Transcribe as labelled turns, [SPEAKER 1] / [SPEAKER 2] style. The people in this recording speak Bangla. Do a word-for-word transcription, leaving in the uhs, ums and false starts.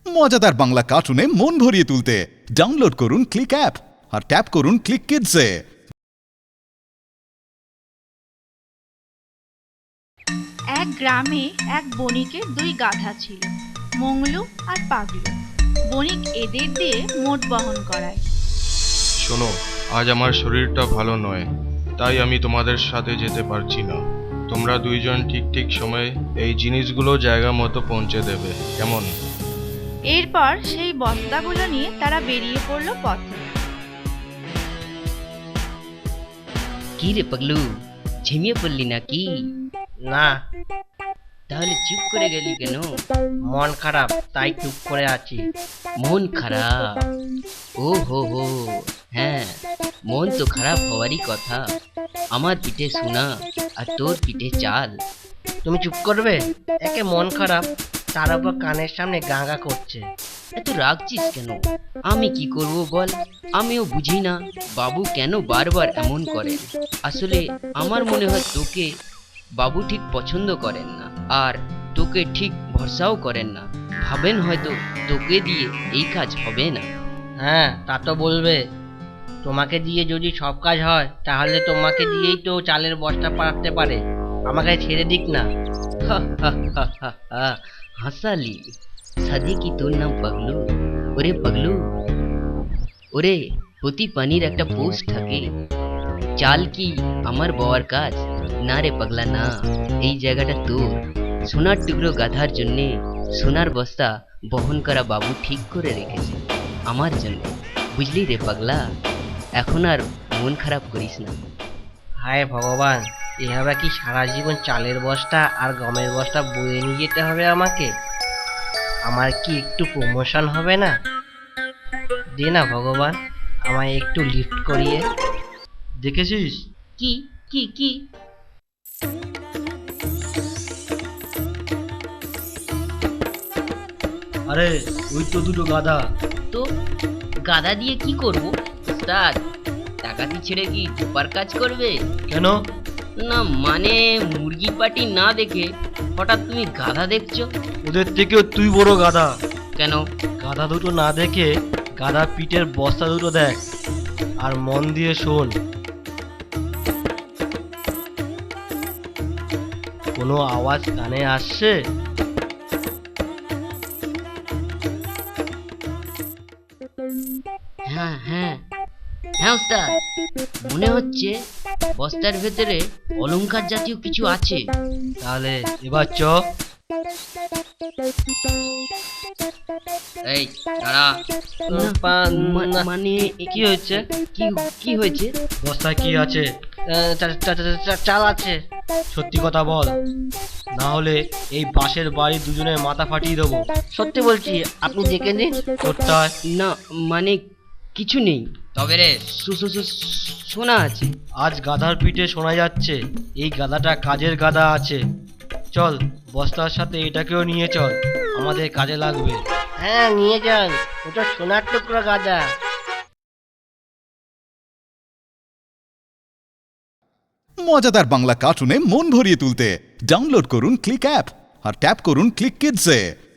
[SPEAKER 1] মজাদার বাংলা কার্টুনে মন ভরিয়ে তুলতে ডাউনলোড করুন ক্লিক অ্যাপ আর ট্যাপ করুন ক্লিক কিডসে।
[SPEAKER 2] এক গ্রামে এক বণিকের দুই গাধা ছিল, মংলু আর পাগলু। বণিক এদের দিয়ে মোট বহন করায়।
[SPEAKER 3] শোনো, আজ আমার শরীরটা ভালো নয়, তাই আমি তোমাদের সাথে যেতে পারছি না। তোমরা দুইজন ঠিক ঠিক সময়ে এই জিনিসগুলো জায়গা মতো পৌঁছে দেবে, কেমন?
[SPEAKER 2] এরপর সেই বস্তাগুলো নিয়ে তারা বেরিয়ে পড়লো পথে।
[SPEAKER 4] কি রে পাগলু, ঝিমিয়ে পড়লি নাকি?
[SPEAKER 5] না,
[SPEAKER 4] তাহলে চুপ করে গেলি কেন?
[SPEAKER 5] মন খারাপ তাই চুপ করে আছি।
[SPEAKER 4] মন খারাপ? ও হো হো, হ্যাঁ, মন তো খারাপ হওয়ারই কথা। আমার পিঠে সোনা আর তোর পিঠে চাল।
[SPEAKER 5] তুমি চুপ করবে? একে মন খারাপ, তার উপর কানের সামনে গাঁগা করছে।
[SPEAKER 4] এত রাগছিস কেন? আমি কি করব বল? আমিও বুঝি না বাবু কেন বারবার এমন করেন। আসলে আমার মনে হয় তোকে বাবু ঠিক পছন্দ করেন না, আর তোকে ঠিক ভরসাও করেন না। ভাবেন হয়তো তোকে দিয়ে এই কাজ হবে না।
[SPEAKER 5] হ্যাঁ, তা তো বলবে। তোমাকে দিয়ে যদি সব কাজ হয় তাহলে তোমাকে দিয়েই তো চালের বস্তা পাঠাতে পারে। আমাকে ছেড়ে দিক না।
[SPEAKER 4] হা হা হা হা হা, হাসালি। সাদি কি তোর নাম পাগলু? ওরে পাগলু, ওরে প্রতি পানির একটা পোস্ট থাকে। চাল কি আমার বাবার কাজ? না রে পাগলা না, এই জায়গাটা তোর। সোনার টুকরো গাধার জন্যে সোনার বস্তা বহন করা বাবু ঠিক করে রেখেছে আমার জন্য, বুঝলি রে পাগলা? এখন আর মন খারাপ করিস না।
[SPEAKER 5] হায় ভগবান, এভাবে কি সারা জীবন চালের বস্তা আর গমের বস্তা বয়ে নিয়ে যেতে হবে আমাকে? আমার কি একটু প্রমোশন হবে না? দে না ভগবান, আমায় একটু লিফট করিয়ে। দেখেছিস?
[SPEAKER 4] কি কি কি?
[SPEAKER 5] আরে ওই তো দুটো গাধা।
[SPEAKER 4] তো গাধা দিয়ে কি করব উস্তাদ? ডাকাতি ছেড়ে কি ধোপার কাজ করবে?
[SPEAKER 5] কেন?
[SPEAKER 4] না মানে মুরগি পাটি না দেখে হঠাৎ তুমি গাধা দেখছো?
[SPEAKER 5] ওদের থেকেও তুই বড় গাধা।
[SPEAKER 4] কেন?
[SPEAKER 5] গাধা দুটো না দেখে গাধা পিঠের বস্তা দুটো দেখ, আর মন দিয়ে শোন। কোনো আওয়াজ কানে আসছে?
[SPEAKER 4] হ্যাঁ হ্যাঁ হ্যাঁ উস্তাদ, মনে হচ্ছে বস্তার ভেতরে অলংকার জাতীয় কিছু আছে।
[SPEAKER 5] তাহলে এবার চ।
[SPEAKER 4] এই দাঁড়া।
[SPEAKER 5] না, পা-
[SPEAKER 4] মা-
[SPEAKER 5] না।
[SPEAKER 4] মানে
[SPEAKER 5] কি হয়েছে?
[SPEAKER 4] কি কি হয়েছে?
[SPEAKER 5] বস্তায় কি আছে? আহ, চা- চা- চা- চা- চাল আছে। সত্যি কথা বল, না হলে এই পাশের বাড়ি দুজনের মাথা ফাটিয়ে দেবো। সত্যি বলছি, আপনি দেখে নিন। তোরটায়
[SPEAKER 4] না মানে কিছু নেই, তবে রে সু- সু- সু- শোনা আছে।
[SPEAKER 5] আজ গাধার পিঠে শোনা যাচ্ছে এই গাধাটা কাজের গাধা আছে। চল, বস্তার সাথে এটাকেও নিয়ে চল, আমাদের কাজে লাগবে। হ্যাঁ, নিয়ে যান, ওটা সোনার টুকরো গাধা।
[SPEAKER 1] মজাদার বাংলা কার্টুনে মন ভরিয়ে তুলতে ডাউনলোড করুন ক্লিক অ্যাপ আর ট্যাপ করুন ক্লিক কিডসে।